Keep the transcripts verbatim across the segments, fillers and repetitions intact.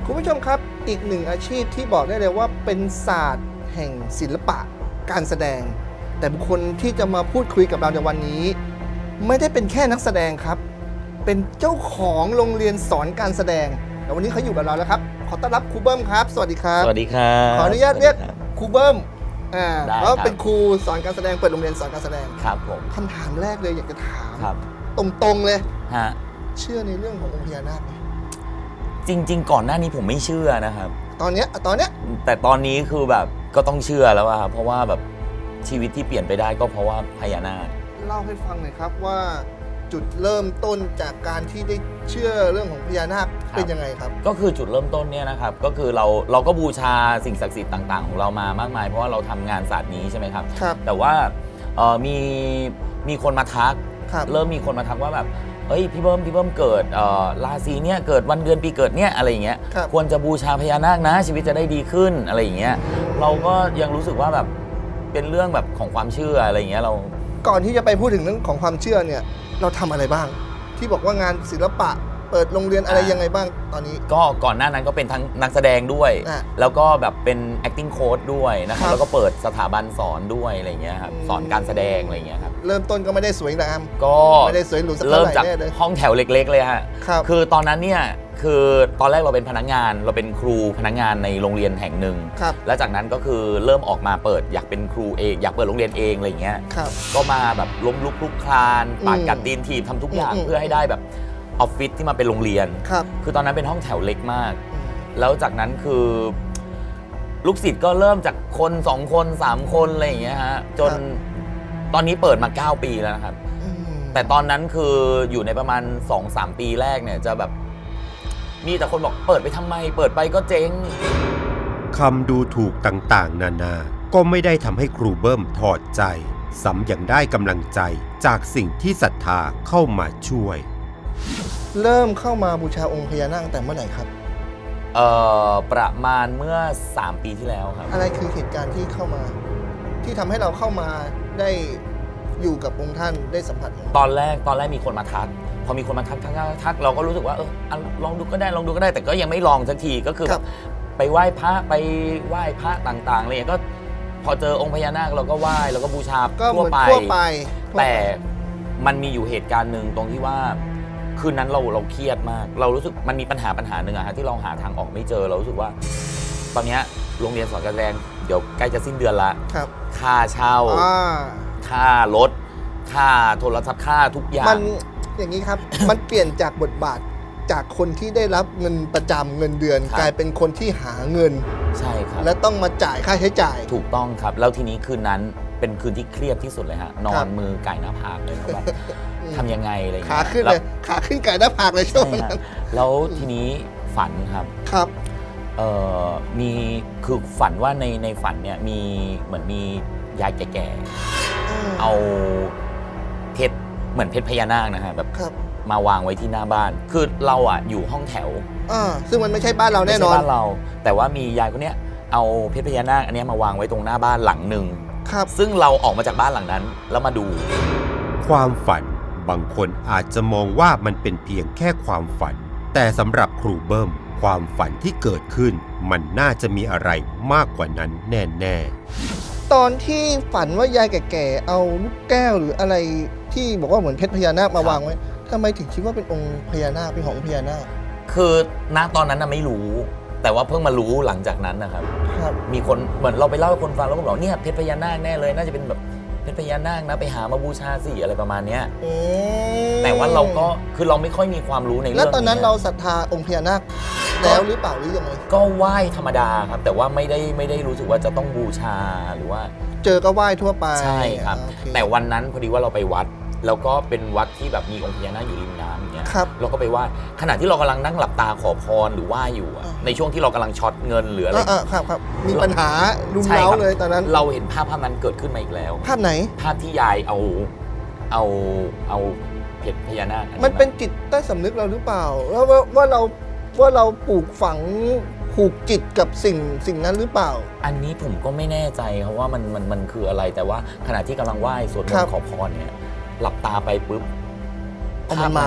คุณผู้ชมครับอีกหนึ่งอาชีพที่บอกได้เลยว่าเป็นศาสตร์แห่งศิลปะการแสดงแต่บุคคลที่จะมาพูดคุยกับเราในวันนี้ไม่ได้เป็นแค่นักแสดงครับเป็นเจ้าของโรงเรียนสอนการแสดงแต่วันนี้เขาอยู่กับเราแล้วครับขอต้อนรับครูเบิ้มครับสวัสดีครับสวัสดีครับขออนุญาตเรียกครูเบิ้มอ่าได้เพราะครับเป็นครูสอนการแสดงเปิดโรงเรียนสอนการแสดงครับผมคำถามแรกเลยอยากจะถามครับตรงๆเลยฮะเชื่อในเรื่องขององค์พญานาคไหมจริง ๆ ก่อนหน้านี้ผมไม่เชื่อนะครับตอนเนี้ยตอนเนี้ยแต่ตอนนี้คือแบบก็ต้องเชื่อแล้วอะครับเพราะว่าแบบชีวิตที่เปลี่ยนไปได้ก็เพราะว่าพญานาคเล่าให้ฟังหน่อยครับว่าจุดเริ่มต้นจากการที่ได้เชื่อเรื่องของพญานาคเป็นยังไงครับก็คือจุดเริ่มต้นเนี่ยนะครับก็คือเราเราก็บูชาสิ่งศักดิ์สิทธิ์ต่างๆของเรามามากมายเพราะว่าเราทำงานศาสตร์นี้ใช่ไหมครับครับแต่ว่าเอ่อมีมีคนมาทักครับเริ่มมีคนมาทักว่าแบบเอ้ยพี่เบิ้มพี่เบิ้มเกิดเอ่อราศีเนี่ยเกิดวันเดือนปีเกิดเนี่ยอะไรอย่างเงี้ยครับควรจะบูชาพญานาคนะชีวิตจะได้ดีขึ้นอะไรอย่างเงี้ยเราก็ยังรู้สึกว่าแบบเป็นเรื่องแบบของความเชื่ออะไรอย่างเงี้ยเราก่อนที่จะไปพูดถึงเรื่องของความเชื่อเนี่ยเราทำอะไรบ้าง ที่บอกว่างานศิลปะเปิดโรงเรียนอะไรยังไงบ้างตอนนี้ก็ก่อนหน้านั้นก็เป็นทั้งนักแสดงด้วยอ่ะแล้วก็แบบเป็น acting coach ด้วยนะครัครับบแล้วก็เปิดสถาบันสอนด้วยอะไรอย่างเงี้ยครับอืมสอนการแสดงอะไรอย่างเงี้ยครับเริ่มต้นก็ไม่ได้สวยงามก็ไม่ได้สวยหรูสักเท่าเริ่มไหร่จากแน่เลยห้องแถวเล็ก ๆ เลยฮะครับคือตอนนั้นเนี่ยคือตอนแรกเราเป็นพนักงาน เราเป็นครูพนักงานในโรงเรียนแห่งหนึ่งครับแล้วจากนั้นก็คือเริ่มออกมาเปิดอยากเป็นครูเองอยากเปิดโรงเรียนเองอะไรอย่างเงี้ยครับก็มาแบบล้มลุกคลุกคลานปากกัดตีนถีบทำทุกอย่างอืมเพื่อให้ได้แบบออฟฟิศที่มาเป็นโรงเรียนครับคือตอนนั้นเป็นห้องแถวเล็กมากอืมแล้วจากนั้นคือลูกศิษย์ก็เริ่มจากคนสองคนสามคนอะไรอย่างเงี้ยฮะจนตอนนี้เปิดมาเก้าปีแล้วนะครับอืมแต่ตอนนั้นคืออยู่ในประมาณ สองสาม ปีแรกเนี่ยจะแบบมีแต่คนบอกเปิดไปทำไม เปิดไปก็เจ๊งคำดูถูกต่างๆ นานา ก็ไม่ได้ทำให้ครูเบิ้มถอดใจซ้ำยังได้กำลังใจจากสิ่งที่ศรัทธาเข้ามาช่วยเริ่มเข้ามาบูชาองค์พญานาคตั้งแต่เมื่อไหร่ครับเอ่อประมาณเมื่อ สาม ปีที่แล้วครับอะไรคือเหตุการณ์ที่เข้ามา ที่ทำให้เราเข้ามาได้อยู่กับองค์ท่านได้สัมผัสองค์ตอนแรกตอนแรกมีคนมาทัก พอมีคนมาทักทักทักทักเราก็รู้สึกว่าเอออ่ะลองดูก็ได้ลองดูก็ได้ แต่ก็ยังไม่ลองสักทีก็คือคแบรับบไปไหว้พระไปไหว้พระต่างๆอะไรอย่างเงี้ยก็พอเจอองค์พญานาคเราก็ไหว้แล้วก็บูชาก็เหทั่วมือนไปทั่วไปทั่วไปแต่มันมีอยู่เหตุการณ์หนึ่งตรงที่ว่าคืนนั้นเราเราเครียดมาก เรารู้สึกมันมีปัญหาปัญหาหนึ่งอะฮะที่เราหาทางออกไม่เจอเรารู้สึกว่า ตอนเนี้ยโรงเรียนสอนการแสดงเดี๋ยวใกล้จะสิ้นเดือนละครับค่าเช่าอ่าค่ารถ ค่าโทรศัพท์ค่าทุกอย่ามังนอย่างนี้ครับ มันเปลี่ยนจากบทบาทจากคนที่ได้รับเงินประจำเงินเดือนครับกลายเป็นคนที่หาเงินใช่ครับและต้องมาจ่ายค่าใช้จ่ายถูกต้องครับ แล้วทีนี้คืนนั้นเป็นคืนที่เครียดที่สุดเลยฮะนอครันบมือไก่หน้าผากเลยครับแบบอืมทำยังไงอะไรอย่างขาเงี้ยขึ้นแวเลยขาขึ้นไก่หน้าผากเลยช่วงใช่นั้ฮะนแล้วทีนี้ฝันครับครับเอ่อมีคือฝันว่าในในฝันเนี่ยมีเหมือนมียายแก่ๆเอาเพชรเหมือนเพชรพญานาคนะฮะแบบครับมาวางไว้ที่หน้าบ้าน คือเราอ่ะอยู่ห้องแถวอ่าซึ่งมันไม่ใช่บ้านเราแน่นอนไม่ใช่บ้านเรา แต่ว่ามียายคนเนี้ยเอาเพชรพญานาคอันเนี้ยมาวางไว้ตรงหน้าบ้านหลังหนึ่งครับซึ่งเราออกมาจากบ้านหลังนั้น แล้วมาดูความฝันบางคนอาจจะมองว่ามันเป็นเพียงแค่ความฝัน แต่สำหรับครูเบิ้มความฝันที่เกิดขึ้น มันน่าจะมีอะไรมากกว่านั้นแน่ๆตอนที่ฝันว่ายายแก่ๆเอาลูกแก้วหรืออะไรที่บอกว่าเหมือนเพชรพญานาคมาวางไว้ทำไมถึงคิดว่าเป็นองค์พญานาคเป็นขององค์พญานาคคือณตอนนั้นน่ะไม่รู้ แต่ว่าเพิ่งมารู้หลังจากนั้นนะครับครับมีคนเหมือนเราไปเล่าให้คนฟังแล้วก็บอกเนี่ยเพชรพญานาคแน่เลย น่าจะเป็นแบบเพชรพญานาคนะไปหามาบูชาสิอะไรประมาณเนี้ยอืมแต่ว่าเราก็คือเราไม่ค่อยมีความรู้ในเรื่องแล้วตอนนั้นนี้เราศรัทธาองค์พญานาคแล้วหรือเปล่าหรือยังไงก็ไหว้ธรรมดาครับ แต่ว่าไม่ได้ไม่ได้รู้สึกว่าจะต้องบูชาหรือว่าเจอก็ไหว้ทั่วไปใช่ครับอ่าโอเแต่วันนั้นพอดีว่าเราไปวัด แล้วก็เป็นวัดที่แบบมีองค์พญานาคอยู่ริมน้ำอย่างเงี้ยครับเราก็ไปไหว้ขณะที่เรากำลังนั่งหลับตาขอพรหรือไหว้อยู่อะอ่าในช่วงที่เรากำลังช็อตเงินหรืออะไรอ่าๆครับครับมีปัญหารุมใช่เร้าครับเลยตอนนั้นเราเห็นภาพภาพนั้นเกิดขึ้นมาอีกแล้วภาพไหนภาพที่ยายเอาเอาเอาเพชรพญานาคอัมันเป็นจิตใต้สำนึกเราหรือเปล่าว่าว่าว่าเราว่าเราปลูกฝังผูกจิตกับสิ่งสิ่งนั้นหรือเปล่าอันนี้ผมก็ไม่แน่ใจครับว่ามันมันมันคืออะไรแต่ว่าขณะที่กำลังไหว้สวดมนครับต์ขอพรเนี่ยหลับตาไปปุ๊บเอามันมาภ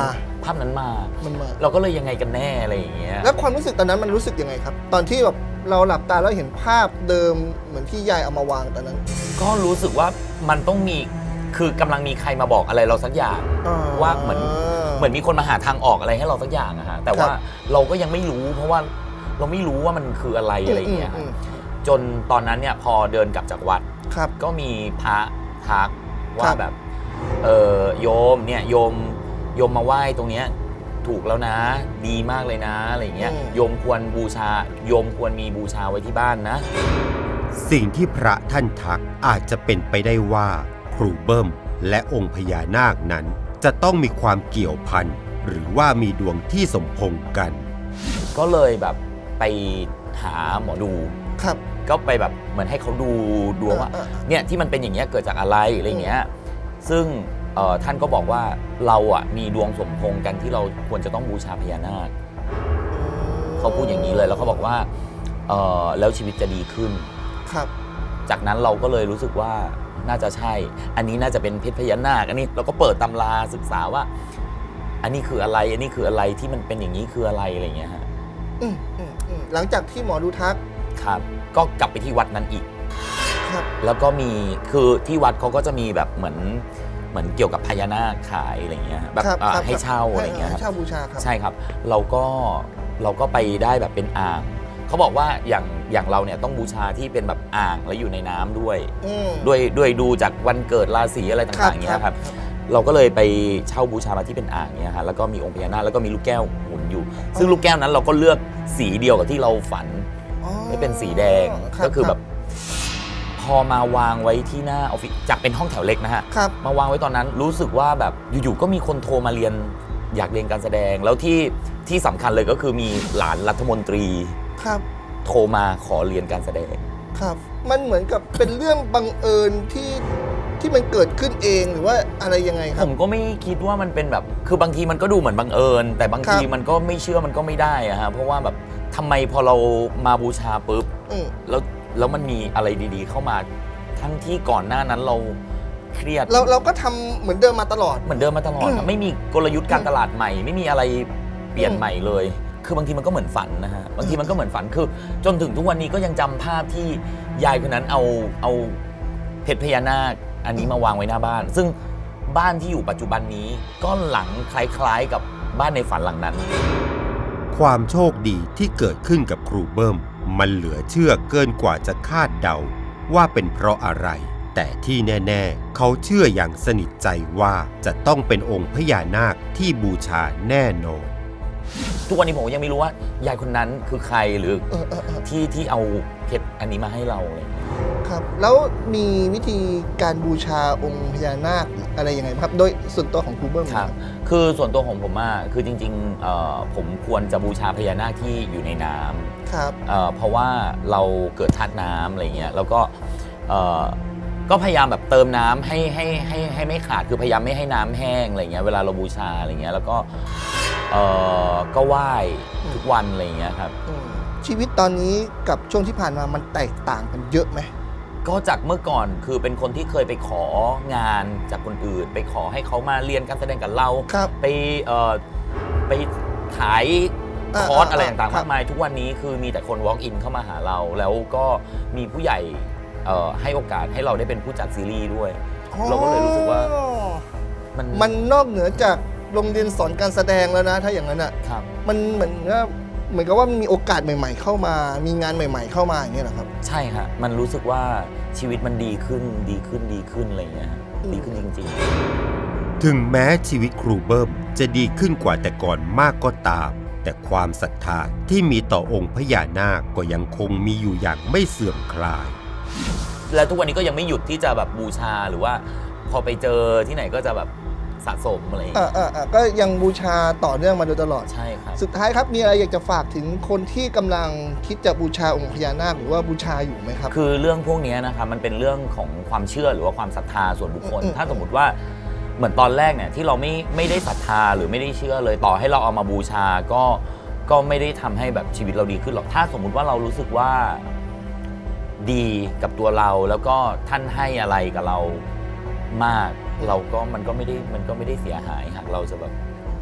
ภาพนั้นมามันมาเราก็เลยยังไงกันแน่อะไรอย่างเงี้ยแล้วความรู้สึกตอนนั้นมันรู้สึกยังไงครับ ตอนที่แบบเราหลับตาแล้วเห็นภาพเดิมเหมือนที่ยายเอามาวางตอนนั้นก็รู้สึกว่ามันต้องมีคือกำลังมีใครมาบอกอะไรเราสักอย่างอ่ว่าเหมือนเหมือนมีคนมาหาทางออกอะไรให้เราสักอย่างอะฮะแต่ว่าเราก็ยังไม่รู้ เพราะว่าเราไม่รู้ว่ามันคืออะไรอะไรอย่างเงี้ยมมจนตอนนั้นเนี่ยพอเดินกลับจากวัดครับก็มีพระทักคว่ารับแบบเออโยมเนี่ยโยมโยมมาไหว้ตรงเนี้ยถูกแล้วนะ ดีมากเลยนะอะไรอย่างเงี้ยอืมโยมควรบูชาโยมควรมีบูชาไว้ที่บ้านนะสิ่งที่พระท่านทักอาจจะเป็นไปได้ว่าครูเบิ้มและองค์พญานาคนั้นจะต้องมีความเกี่ยวพันหรือว่ามีดวงที่สมพงษ์กันก็เลยแบบไปหาหมอดูครับก็ไปแบบเหมือนให้เขาดูดวงว่าเออเออเนี่ยที่มันเป็นอย่างเงี้ยเกิดจากอะไรอะไรเงี้ยซึ่งเอ่อท่านก็บอกว่าเราอ่ะมีดวงสมพงษ์กันที่เราควรจะต้องบูชาพญานาคเขาพูดอย่างนี้เลยแล้วเขาบอกว่าเอ่อแล้วชีวิตจะดีขึ้นครับจากนั้นเราก็เลยรู้สึกว่าน่าจะใช่ อันนี้น่าจะเป็นเพชรพญานาคอันนี้เราก็เปิดตำราศึกษาว่า อันนี้คืออะไรอันนี้คืออะไรที่มันเป็นอย่างนี้คืออะไรอะไรเงี้ยฮะอืมอืมอืมหลังจากที่หมอดูทักครับก็กลับไปที่วัดนั้นอีกครับแล้วก็มีคือที่วัดเขาก็จะมีแบบเหมือนเหมือนเกี่ยวกับพญานาคขายอะไรเงี้ยแบบครับอ่าครับให้เช่าอะไรเงี้ยคให้รับเช่าบูชาครับใช่ครับ เราก็เราก็ไปได้แบบเป็นอ่างเขาบอกว่าอย่างอย่างเราเนี่ยต้องบูชาที่เป็นแบบอ่างแล้วอยู่ในน้ำด้วยอืมด้วยด้วยดูจากวันเกิดราศีอะไรต่างๆอย่างเงี้ยครับเราก็เลยไปเช่าบูชามาที่เป็นอ่างเงี้ยฮะแล้วก็มีองค์พญานาคแล้วก็มีลูกแก้วหมุนอยู่ ซึ่งลูกแก้วนั้นเราก็เลือกสีเดียวกับที่เราฝันอ๋อไม่เป็นสีแดงรับก็คือแบบพอมาวางไว้ที่หน้าออฟฟิศจากเป็นห้องแถวเล็กนะฮะครับมาวางไว้ตอนนั้นรู้สึกว่าแบบอยู่ๆก็มีคนโทรมาเรียนอยากเรียนการแสดง แล้วที่ที่สำคัญเลยก็คือมีหลานรัฐมนตรีครับโทรมาขอเรียนการแสดงครับ มันเหมือนกับเป็นเรื่องบังเอิญที่ที่มันเกิดขึ้นเองหรือว่าอะไรยังไงคผรับมก็ไม่คิดว่ามันเป็นแบบคือบางทีมันก็ดูเหมือนบังเอิญ แต่บางทีครับมันก็ไม่เชื่อมันก็ไม่ได้อะฮะเพราะว่าแบบทำไมพอเรามาบูชาปุ๊บอืมแล้วแล้วมันมีอะไรดีๆ เข้ามาทั้งที่ก่อนหน้านั้นเราเครียดเราเราก็ทำเหมือนเดิมมาตลอดเหมือนเดิมมาตลอดอือะมไม่มีกลยุทธ์การตลาดใหม่ ไม่มีอะไรเปลี่ยนอืมใหม่เลย คือบางทีมันก็เหมือนฝันนะฮะบางทีมันก็เหมือนฝันคือ จนถึงทุกวันนี้ก็ยังจำภาพที่ยายคนนั้นเอาเอาเพชรพญานาคอันนี้มาวางไว้หน้าบ้าน ซึ่งบ้านที่อยู่ปัจจุบันนี้ก็หลังคล้ายๆกับบ้านในฝันหลังนั้นความโชคดีที่เกิดขึ้นกับครูเบิ้มมันเหลือเชื่อเกินกว่าจะคาดเดาว่าเป็นเพราะอะไร แต่ที่แน่ๆเขาเชื่ออย่างสนิทใจว่าจะต้องเป็นองค์พญานาคที่บูชาแน่นอนทุกวันนี้ผมยังไม่รู้ว่ายายคนนั้นคือใครหรือเออเออเออที่ที่เอาเพชรอันนี้มาให้เราอะไรอย่างเงี้ยครับ แล้วมีวิธีการบูชาองค์พญานาคอะไรยังไงครับ โดยส่วนตัวของครูเบิ้มครับ คือส่วนตัวของผมอะคือจริงๆเอ่อผมควรจะบูชาพญานาคที่อยู่ในน้ำครับเอ่อเพราะว่าเราเกิดธาตุน้ำอะไรเงี้ย แล้วก็เอ่อก็พยายามแบบเติมน้ำให้ให้ให้ให้ไม่ขาด คือพยายามไม่ให้น้ำแห้งอะไรเงี้ย เวลาเราบูชาอะไรเงี้ย แล้วก็เอ่อก็ไหว้ทุกวันอะไรเงี้ยครับอืมชีวิตตอนนี้กับช่วงที่ผ่านมามันแตกต่างกันเยอะไหมก็จากเมื่อก่อนคือเป็นคนที่เคยไปของานจากคนอื่น ไปขอให้เขามาเรียนการแสดงกับเราครับไปเอ่อไปขายอ่าคอร์สอ่าอะไรต่างๆครัมาบกมายทุกวันนี้คือมีแต่คน walk in เข้ามาหาเรา แล้วก็มีผู้ใหญ่เอ่อให้โอกาสให้เราได้เป็นผู้จัดซีรีส์ด้วย เราก็เลยรู้สึกว่าอ๋อมันมันนอกเหนือจากโรงเรียนสอนการแสดงแล้วนะ ถ้าอย่างนั้นอ่ะครับมันเหมือนว่าเหมือนกับว่ามีโอกาสใหม่ ๆ เข้ามา มีงานใหม่ ๆ เข้ามาอย่างเงี้ยเหรอครับใช่ฮะมันรู้สึกว่าชีวิตมันดีขึ้นดีขึ้นดีขึ้นอะไรอย่างเงี้ยฮะอืมดีขึ้นจริงถึงแม้ชีวิตครูเบิ้มจะดีขึ้นกว่าแต่ก่อนมากก็ตาม แต่ความศรัทธาที่มีต่อองค์พญานาคก็ยังคงมีอยู่อย่างไม่เสื่อมคลายๆ แล้วทุกวันนี้ก็ยังไม่หยุดที่จะแบบบูชาหรือว่าพอไปเจอที่ไหนก็จะแบบสะสมอะไรอย่างอ่าเงี้ยอ่าอ่าก็ยังบูชาต่อเนื่องมาโดยตลอดใช่ครับสุดท้ายครับ มีอะไรอยากจะฝากถึงคนที่กำลังคิดจะบูชาองค์พญานาคหรือว่าบูชาอยู่ไหมครับคือเรื่องพวกนี้นะครับมันเป็นเรื่องของความเชื่อหรือว่าความศรัทธาส่วนบุคคลอืมถ้าสมมติว่าเหมือนตอนแรกเนี่ยที่เราไม่ไม่ได้ศรัทธาหรือไม่ได้เชื่อเลยต่อให้เราเอามาบูชาก็ก็ไม่ได้ทำให้แบบชีวิตเราดีขึ้นหรอกถ้าสมมุติว่าเรารู้สึกว่าดีกับตัวเราแล้วก็ท่านให้อะไรกับเรามาก เราก็มันก็ไม่ได้มันก็ไม่ได้เสียหายหากเราจะแบบ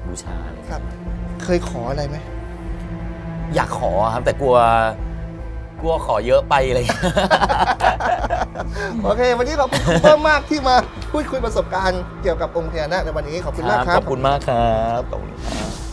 บูชาอะไรครับ เคยขออะไรไหมอยากขอครับ แต่กลัวกลัวขอเยอะไปอะไรอย่างเงี้ยโอเค วันนี้ขอบคุณครูเบิ้มมากที่มาพูดคุยประสบการณ์เกี่ยวกับองค์พญานาคในวันนี้ขอบคุณมากครัขบอบคุณมากครับขอบคุณครับ